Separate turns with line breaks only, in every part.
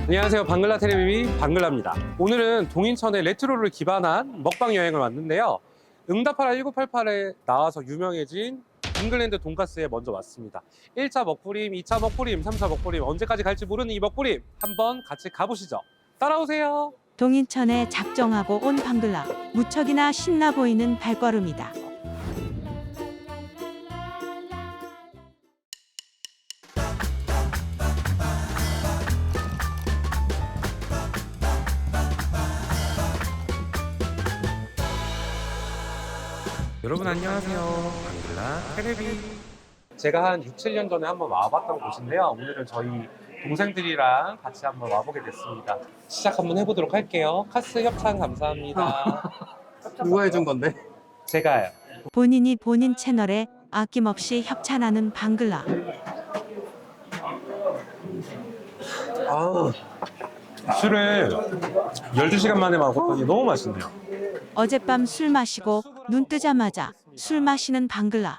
안녕하세요. 방글라 테레비비 방글라입니다. 오늘은 동인천의 레트로를 기반한 먹방 여행을 왔는데요. 응답하라 1988에 나와서 유명해진 잉글랜드 돈가스에 먼저 왔습니다. 1차 먹부림, 2차 먹부림, 3차 먹부림, 언제까지 갈지 모르는 이 먹부림 한번 같이 가보시죠. 따라오세요.
동인천에 작정하고 온 방글라, 무척이나 신나 보이는 발걸음이다.
여러분 안녕하세요. 방글라 테레비. 제가 한 6, 7년 전에 한번 와봤던 곳인데요. 오늘은 저희 동생들이랑 같이 한번 와보게 됐습니다. 시작 한번 해보도록 할게요. 카스 협찬 감사합니다.
누가 해준 건데?
제가요.
본인이 본인 채널에 아낌없이 협찬하는 방글라.
아, 술을 12시간 만에 먹었더니 너무 맛있네요.
어젯밤 술 마시고 눈 뜨자마자 술 마시는 방글라.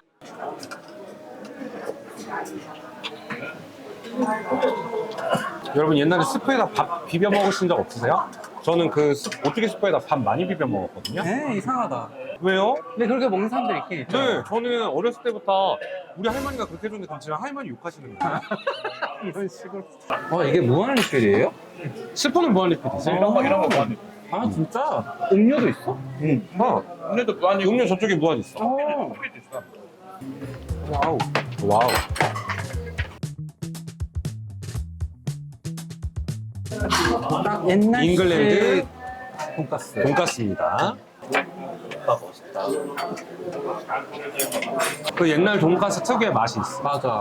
여러분 옛날에 스프에다 밥 비벼 먹으신 적 없으세요? 저는 그 오뚜기 스프에다 밥 많이 비벼 먹었거든요.
에 이상하다.
왜요?
근데 그렇게 먹는 사람들 있긴 있죠.
네, 저는 어렸을 때부터 우리 할머니가 그렇게 해줬는데 그럼 할머니 욕하시는 거예요.
이런 식으로. 이게 무한 리필이에요?
스프는 무한리필이지.
이런 거
무한.
아 진짜? 음료도 있어?
응.
음료도 무한이고
음료 저쪽에 무한 있어.
커피도 있어.
와우. 와우.
딱 옛날
잉글랜드
돈가스.
돈가스입니다. 그 옛날 돈가스 특유의 맛이 있어.
맞아.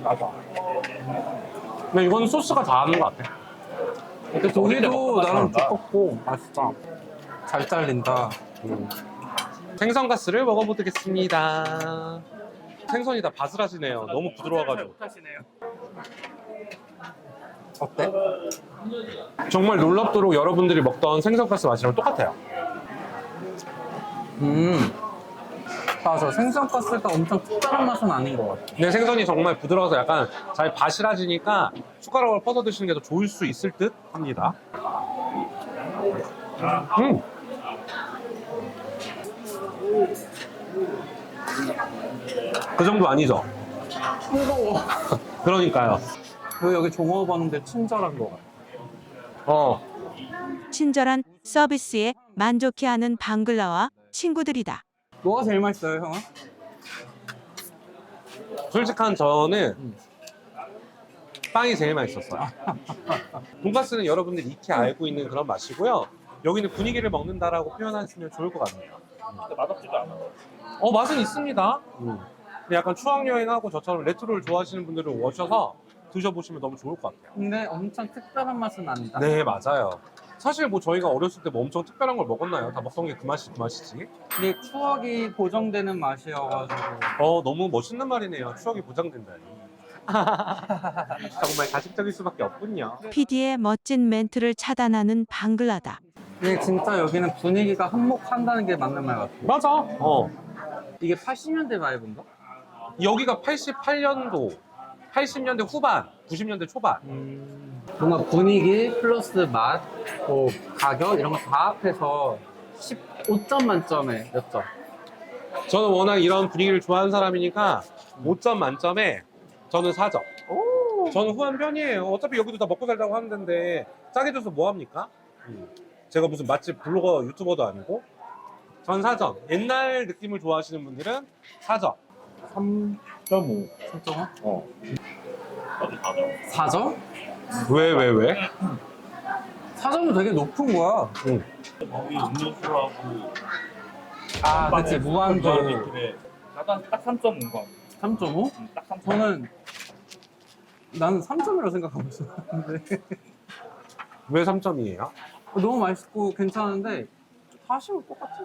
근데 이거는 소스가 다 하는 것 같아.
근데 고기도 나름 두껍고 맛있다. 잘 잘린다.
생선가스를 먹어보겠습니다. 생선이 다 바스라지네요. 너무 부드러워가지고.
어때?
정말 놀랍도록 여러분들이 먹던 생선가스 맛이랑 똑같아요.
맞아. 생선가스가 엄청 특별한 맛은 아닌 것 같아.
근데 생선이 정말 부드러워서 약간 잘 바스라지니까 숟가락을 퍼서 드시는 게 더 좋을 수 있을 듯 합니다. 그 정도 아니죠?
무거워.
그러니까요.
그 여기 종업 봤는데 친절한 것 같아.
친절한 서비스에 만족해하는 방글라와 친구들이다.
뭐가 제일 맛있어요, 형은?
솔직한 저는 빵이 제일 맛있었어요. 돈가스는 여러분들이 익히 알고 있는 그런 맛이고요. 여기는 분위기를 먹는다라고 표현하시면 좋을 것 같네요.
근데 맛없지도 않아.
맛은 있습니다. 근데 약간 추억여행하고 저처럼 레트로를 좋아하시는 분들은 오셔서 드셔보시면 너무 좋을 것 같아요.
근데 엄청 특별한 맛은 아니다.
네, 맞아요. 사실 뭐 저희가 어렸을 때 뭐 엄청 특별한 걸 먹었나요? 다 먹던 게 그 맛이 그 맛이지.
근데 추억이 보정되는 맛이어가지고.
너무 멋있는 말이네요. 추억이 보장된다니. 정말 가식적일 수밖에 없군요.
PD의 멋진 멘트를 차단하는 방글라다.
근데 진짜 여기는 분위기가 한몫한다는 게 맞는 말 같아.
맞아.
이게 80년대 바이브인가?
여기가 88년도, 80년대 후반, 90년대 초반.
뭔가 분위기 플러스 맛, 뭐 가격 이런 거 다 합해서 15점 만점에 몇 점?
저는 워낙 이런 분위기를 좋아하는 사람이니까 5점 만점에 저는 4점. 저는 후한 편이에요. 어차피 여기도 다 먹고 살자고 하는 데인데 싸게 줘서 뭐합니까? 제가 무슨 맛집 블로거 유튜버도 아니고. 전 4점. 옛날 느낌을 좋아하시는 분들은 4점.
3.5.
3.5?
나도 4점.
4점?
왜?
4점은 되게 높은 거야.
거기 음료수하고
아, 그치. 무한도
리필에 나도 딱 3.5인 거.
3.5?
딱 3.5.
저는 나는 3점이라고 생각하고 있었는데
왜 3점이에요?
너무 맛있고 괜찮은데 다시는 똑같은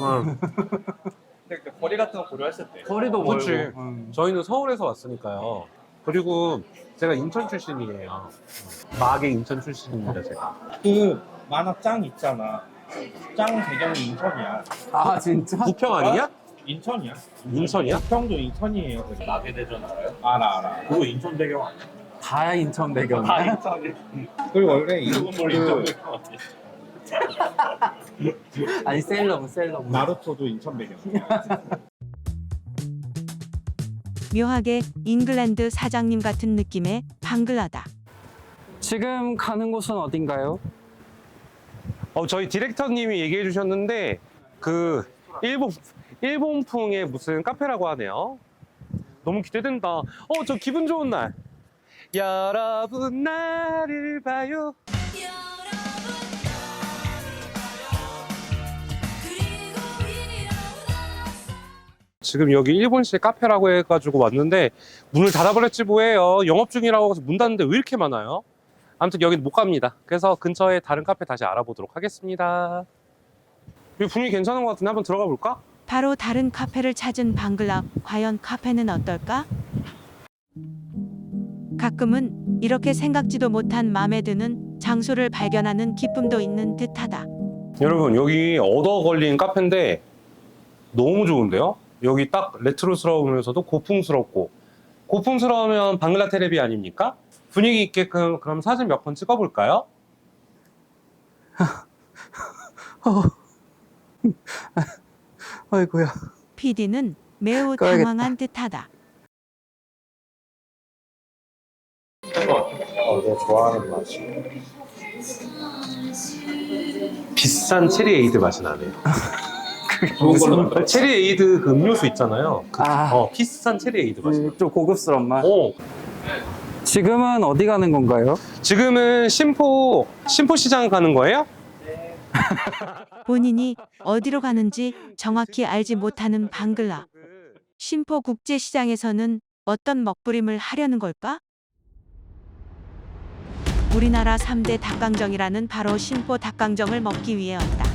근데 거리 같은 거 고려했을 때.
거리도
그치.
멀고.
저희는 서울에서 왔으니까요. 그리고 제가 인천 출신이에요. 마계 인천 출신입니다, 제가.
그 만화 짱 있잖아. 짱 배경이 인천이야.
아 진짜?
부평 아니냐?
인천이야.
인천이야?
평도 인천이에요. 마계대전 알아요? 알아. 그거 인천 배경 아니야?
다 인천 배경이야?
그리고 원래
아니 셀러문.
나루토도 인천 배경이야.
묘하게 잉글랜드 사장님 같은 느낌의 방글라다.
지금 가는 곳은 어딘가요?
저희 디렉터님이 얘기해 주셨는데 그 일본풍의 무슨 카페라고 하네요. 너무 기대된다. 저 기분 좋은 날. 여러분 나를 봐요. 지금 여기 일본식 카페라고 해가지고 왔는데 문을 닫아버렸지 뭐예요. 영업 중이라고 해서 문 닫는데 왜 이렇게 많아요? 아무튼 여기는 못 갑니다. 그래서 근처에 다른 카페 다시 알아보도록 하겠습니다. 여기 분위기 괜찮은 것 같은데 한번 들어가 볼까?
바로 다른 카페를 찾은 방글라. 과연 카페는 어떨까? 가끔은 이렇게 생각지도 못한 마음에 드는 장소를 발견하는 기쁨도 있는 듯하다.
여러분 여기 얻어 걸린 카페인데 너무 좋은데요? 여기 딱 레트로스러우면서도 고풍스럽고, 고풍스러우면 방글라 테레비 아닙니까? 분위기 있게끔 그럼 사진 몇 번 찍어볼까요?
아이고야.
PD는 매우
꺼야겠다.
당황한 듯하다.
내가 좋아하는 맛이.
비싼 체리 에이드 맛이 나네요.
좋은 걸로.
체리 에이드 그 음료수 있잖아요.
아.
비싼 체리 에이드 맛이 나요.
좀 고급스러운 맛.
지금은 어디 가는 건가요?
지금은 심포 시장 가는 거예요?
본인이 어디로 가는지 정확히 알지 못하는 방글라. 심포 국제시장에서는 어떤 먹부림을 하려는 걸까? 우리나라 3대 닭강정이라는 바로 심포 닭강정을 먹기 위해 왔다.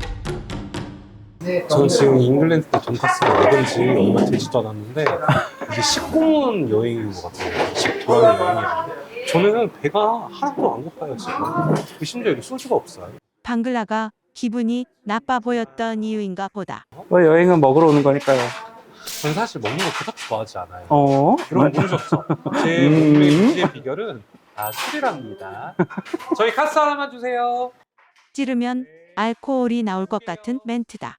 전 지금 잉글랜드 돈까스를 먹은 지 얼마 되지도 않았는데 이게 식공원 여행인 것 같아요. 식도락 여행이. 저는 배가 하나도 안 고파요 지금. 심지어 여기 소주가 없어요.
방글라가 기분이 나빠 보였던 이유인가 보다.
왜 여행은 먹으러 오는 거니까요.
저는 사실 먹는 거 그닥 좋아하지 않아요.
어?
여러분 모르셨죠? 제 몸의 유지의 비결은 다 술이랍니다. 저희 카스 하나만 주세요.
찌르면 알코올이 나올 것 같은 멘트다.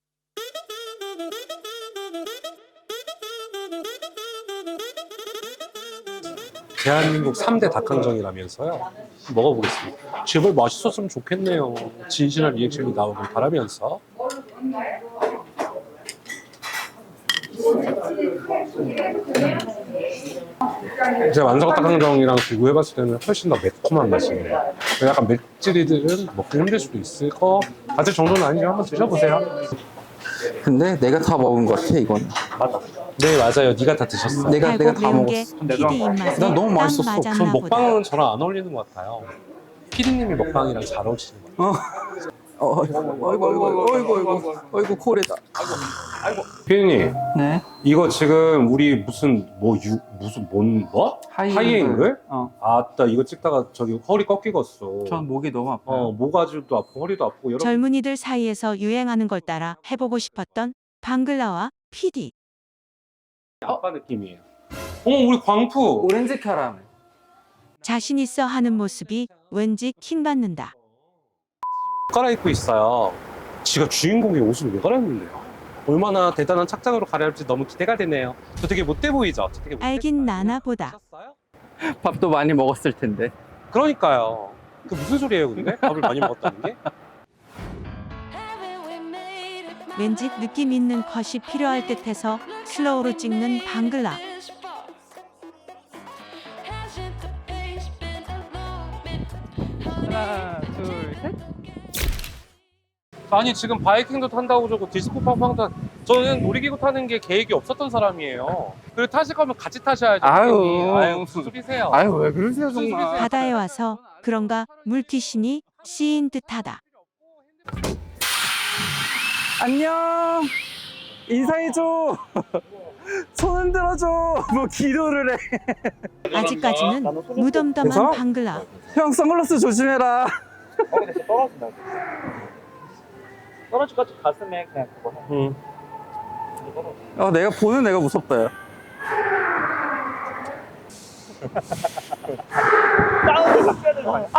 대한민국 3대 닭강정이라면서요. 먹어보겠습니다. 제발 맛있었으면 좋겠네요. 진실한 리액션이 나오길 바라면서. 제가 완성 닭강정이랑 비교해봤을 때는 훨씬 더 매콤한 맛이에요. 약간 맵찔이들은 먹기 힘들 수도 있을 것 같을 정도는 아니지만 한번 드셔보세요.
근데 내가 다 먹은 것 같아 이건.
맞아. 네 맞아요. 네가 다 드셨어.
내가
달고
다
매운 게
먹었어.
PD 입맛에
난 너무
딱
맛있었어.
맞았나
전
보다.
먹방은 저랑 안 어울리는 것 같아요. 피디님이 먹방이랑 잘 어울리시는 것 같아요.
어이구 코레다.
피디님,
네.
이거 지금 우리 무슨 하이앵글? 아따 이거 찍다가 저기 허리 꺾이겠어.
전 목이 너무 아파요.
모가지도 아프고 허리도 아프고 여러분.
젊은이들 사이에서 유행하는 걸 따라 해보고 싶었던 방글라와 PD.
아빠 느낌이에요. 우리 광푸.
오렌지 캐러멜.
자신 있어 하는 모습이 왠지 킹받는다.
갈아입고 있어요. 지가 주인공의 옷을 왜 갈아입는데요? 얼마나 대단한 착장으로 갈아입을지 너무 기대가 되네요. 저 되게 못돼 보이죠? 저 되게 못돼
알긴
보여요.
나나 보다.
보셨어요?
밥도 많이 먹었을 텐데.
그러니까요. 그 무슨 소리예요, 근데? 밥을 많이 먹었다는 게?
왠지 느낌 있는 컷이 필요할 듯해서 슬로우로 찍는 방글라.
하나, 둘, 셋.
아니 지금 바이킹도 탄다고 저거 디스코 팡팡도 저는 놀이기구 타는 게 계획이 없었던 사람이에요. 그리고 타실 거면 같이 타셔야죠.
아유.
피디님. 아유 무슨 소리세요?
아유 왜 그러세요
무슨
정말.
소리세요?
바다에 와서 그런가 물귀신이 씌인 듯하다.
안녕. 인사해줘. 손 흔들어줘. 뭐 기도를 해.
아직까지는 무덤덤한
그래서?
방글라.
형 선글라스 조심해라.
떨어진다. 떨어질 것 같이 가슴에 그냥 그거 해.
내가 보는 애가 무섭다. 야.
다운을 삭혀야 되는 거야.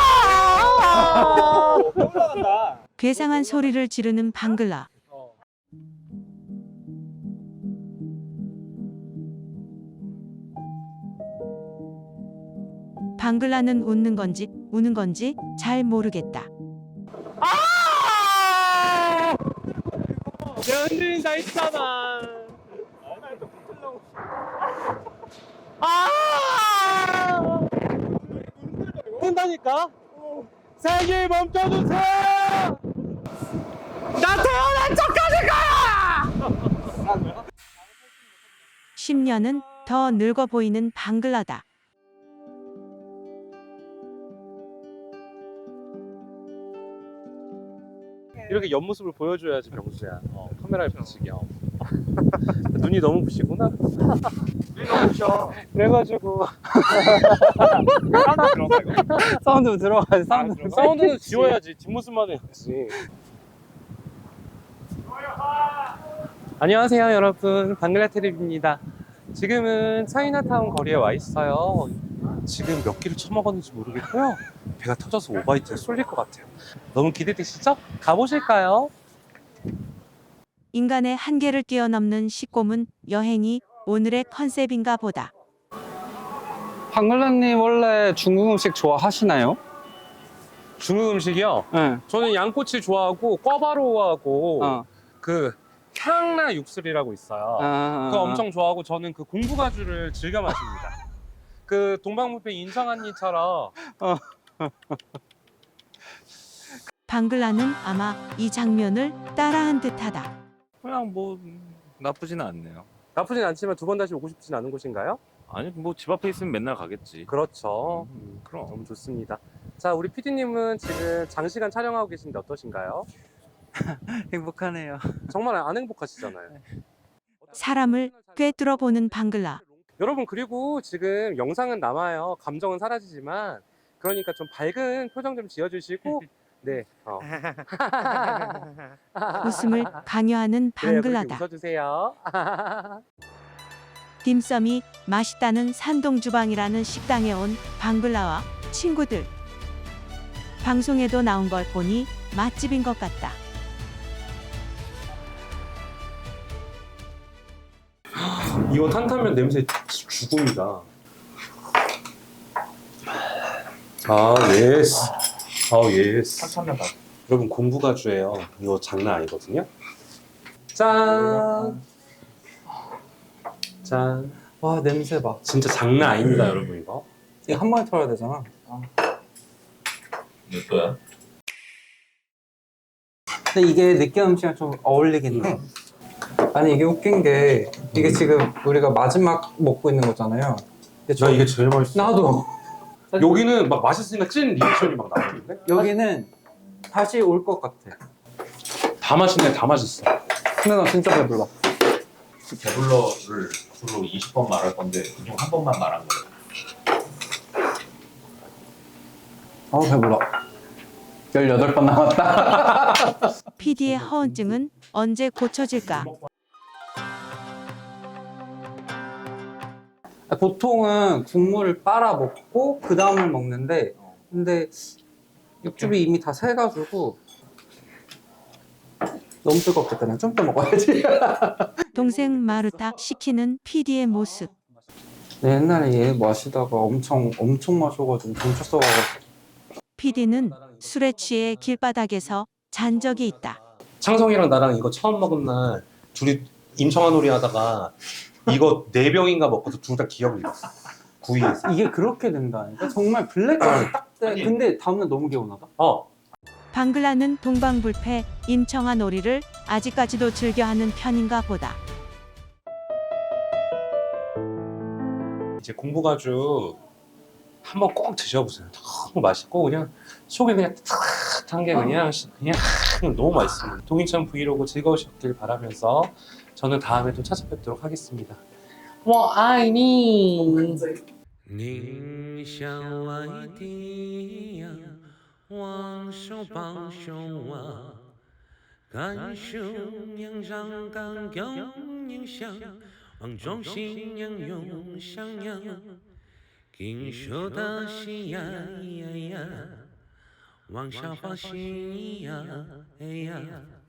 올라간다.
괴상한 소리를 지르는 방글라. 방글라는 웃는 건지 우는 건지 잘 모르겠다.
내가 흔들린다 했잖아. 흔다니까? 세계 멈춰주세요! 나 태어난 척하는 거야!
10년은 더 늙어 보이는 방글라다.
이렇게 옆모습을 보여줘야지 병수야. 카메라에 비치게. 눈이 너무 부시구나.
눈이 너무 부셔.
그래가지고
사운드 들어가 이거.
사운드 들어가야지, 사운드.
들어가?
사운드는 지워야지. 뒷모습만 해야지. 안녕하세요 여러분, 방글라테레비입니다. 지금은 차이나타운 거리에 와 있어요. 지금 몇 끼를 처먹었는지 모르겠고요. 배가 터져서 오바이트에 쏠릴 것 같아요. 너무 기대되시죠? 가보실까요?
인간의 한계를 뛰어넘는 식고문 여행이 오늘의 컨셉인가 보다.
방글라님 원래 중국 음식 좋아하시나요?
중국 음식이요?
네.
저는 양꼬치 좋아하고 꿔바로우하고 그 향나 육술이라고 있어요. 그거 엄청 좋아하고 저는 그 공부가주를 즐겨 마십니다. 그 동방부패 인성한니처럼.
방글라는 아마 이 장면을 따라한 듯하다.
그냥 뭐 나쁘지는 않네요.
나쁘진 않지만 두 번 다시 오고 싶진 않은 곳인가요?
아니 뭐 집 앞에 있으면 맨날 가겠지.
그렇죠.
그럼.
너무 좋습니다. 자, 우리 PD님은 지금 장시간 촬영하고 계신데 어떠신가요?
행복하네요.
정말 안 행복하시잖아요.
사람을 꿰뚫어 보는 방글라.
여러분, 그리고 지금 영상은 남아요. 감정은 사라지지만, 그러니까 좀 밝은 표정 좀 지어주시고, 네.
웃음을 강요하는
그래요, 그렇게
방글라다.
웃어주세요.
딤섬이 맛있다는 산동주방이라는 식당에 온 방글라와 친구들. 방송에도 나온 걸 보니 맛집인 것 같다.
이거 탄탄면 냄새 죽음이다. 아, 예스. 아, 예스.
한참면 봐.
여러분, 공부가주예요. 이거 장난 아니거든요. 짠. 짠.
와, 냄새 봐.
진짜 장난 아닙니다, 여러분, 이거.
이거 한 번에 털어야 되잖아.
몇 도야?
근데 이게 느끼한 음식이랑 좀 어울리긴 해. 아니, 이게 웃긴 게, 이게 지금 우리가 마지막 먹고 있는 거잖아요. 근데
나 이게 제일 맛있어.
나도.
여기는 막 맛있으니까 찐 리액션이 막 나오는데?
여기는 다시 올 것 같아.
다 맛있네, 다 맛있어.
근데 나 진짜 배불러.
배불러를 주로 20번 말할 건데 그중 한 번만 말한 거예요.
배불러. 18번 남았다.
PD의 허언증은 언제 고쳐질까?
보통은 국물을 빨아 먹고 그 다음을 먹는데, 근데 육즙이 이미 다 새가지고 너무 뜨겁겠다. 그냥 좀 더 먹어야지.
동생 마르타 시키는 PD의 모습.
내 옛날에 얘 마시다가 엄청 마셔가지고 경찰 써가지고.
PD는 술에 취해 길바닥에서 잔 적이 있다.
창성이랑 나랑 이거 처음 먹은 날 둘이 임청아놀이 하다가 이거 4병인가 먹고서 둘 다 기억을 잃었어. 구이에서.
이게 그렇게 된다니까? 정말 블랙까지 딱 돼.
아니.
근데 다음날 너무 개운하다.
방글라는 동방불패 임청아 놀이를 아직까지도 즐겨하는 편인가 보다.
이제 공부가주 한번 꼭 드셔보세요. 너무 맛있고 그냥 속이 그냥 탁한 게 그냥 너무 맛있습니다. 동인천 브이로그 즐거우셨길 바라면서 저는 다음에 또 찾아뵙도록 하겠습니다. 我爱你。
你像外地呀，往手帮手啊，感受洋上港有影响，望中心洋涌上扬， 听说的喜呀呀呀，往下滑行呀，哎呀。